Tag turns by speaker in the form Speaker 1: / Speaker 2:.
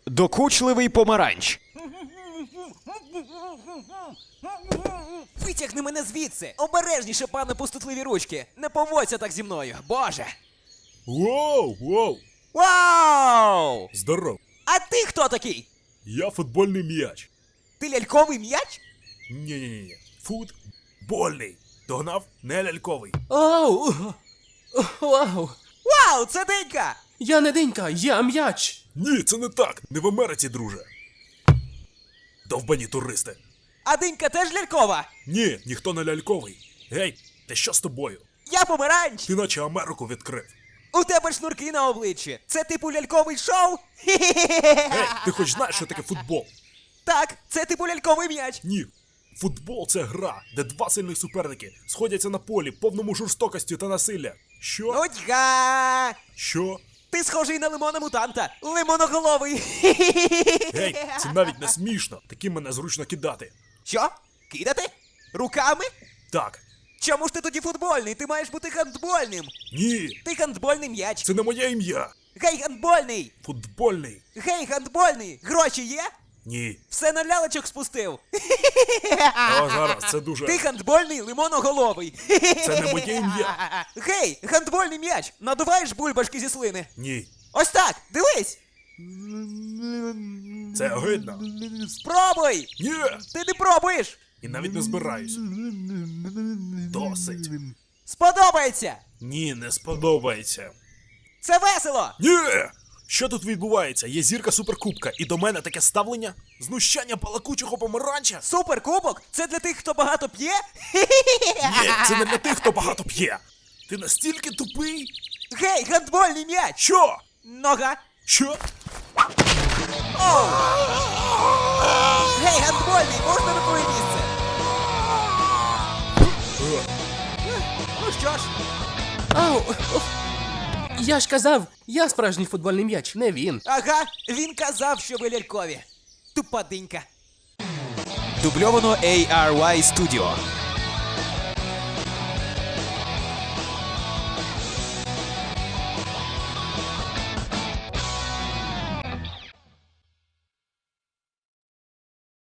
Speaker 1: Докучливий помаранч.
Speaker 2: Витягни мене звідси! Обережніше, пане пустотливі ручки! Не поводься так зі мною, боже!
Speaker 3: Воу!
Speaker 2: Вау!
Speaker 3: Здоров!
Speaker 2: А ти хто такий?
Speaker 3: Я футбольний м'яч.
Speaker 2: Ти ляльковий м'яч?
Speaker 3: Ні. Футбольний. Догнав? Не ляльковий.
Speaker 4: Оу! Вау!
Speaker 2: Вау, це Денька!
Speaker 4: Я не Денька, я м'яч!
Speaker 3: Ні, це не так. Не в Америці, друже. Довбані туристи.
Speaker 2: А Денька теж лялькова?
Speaker 3: Ні, ніхто не ляльковий. Гей, ти що з тобою?
Speaker 2: Я помаранч!
Speaker 3: Ти наче Америку відкрив.
Speaker 2: У тебе шнурки на обличчі. Це типу ляльковий шоу?
Speaker 3: Гей, ти хоч знаєш, що таке футбол?
Speaker 2: Так, це типу ляльковий м'яч.
Speaker 3: Ні. Футбол це гра, де два сильних суперники сходяться на полі, повному жорстокості та насилля. Що?
Speaker 2: Нудьга!
Speaker 3: Що?
Speaker 2: Ти схожий на лимона-мутанта. Лимоноголовий.
Speaker 3: Гей, це навіть не смішно. Таким мене зручно кидати.
Speaker 2: Що? Кидати? Руками?
Speaker 3: Так.
Speaker 2: Чому ж ти тоді футбольний? Ти маєш бути гандбольним.
Speaker 3: Ні.
Speaker 2: Ти гандбольний м'яч.
Speaker 3: Це не моє ім'я.
Speaker 2: Гей, гандбольний!
Speaker 3: Футбольний.
Speaker 2: Гей, гандбольний! Гроші є?
Speaker 3: Ні.
Speaker 2: Все на лялечок спустив.
Speaker 3: О, зараз, це дуже...
Speaker 2: Ти гандбольний лимоноголовий.
Speaker 3: Це не моє ім'я.
Speaker 2: Гей, гандбольний м'яч! Надуваєш бульбашки зі слини?
Speaker 3: Ні.
Speaker 2: Ось так, дивись!
Speaker 3: Це огидно.
Speaker 2: Спробуй!
Speaker 3: Ні.
Speaker 2: Ти не пробуєш!
Speaker 3: І навіть не збираюсь. Досить.
Speaker 2: Сподобається!
Speaker 3: Ні, не сподобається.
Speaker 2: Це весело!
Speaker 3: Ні! Що тут відбувається? Є зірка суперкубка, і до мене таке ставлення? Знущання балакучого помаранча?
Speaker 2: Суперкубок? Це для тих, хто багато п'є?
Speaker 3: Ні, це не для тих, хто багато п'є. Ти настільки тупий?
Speaker 2: Гей, гандбольний м'яч!
Speaker 3: Що?
Speaker 2: Нога!
Speaker 3: Що?
Speaker 2: Оу! Гей, гандбольний, можна на твоє місце? Ну що ж,
Speaker 4: Ау! Я ж казав, я справжній футбольний м'яч, не він.
Speaker 2: ага, він казав, що ви лялькові. Тупа динька. Дубльовано ARY Studio.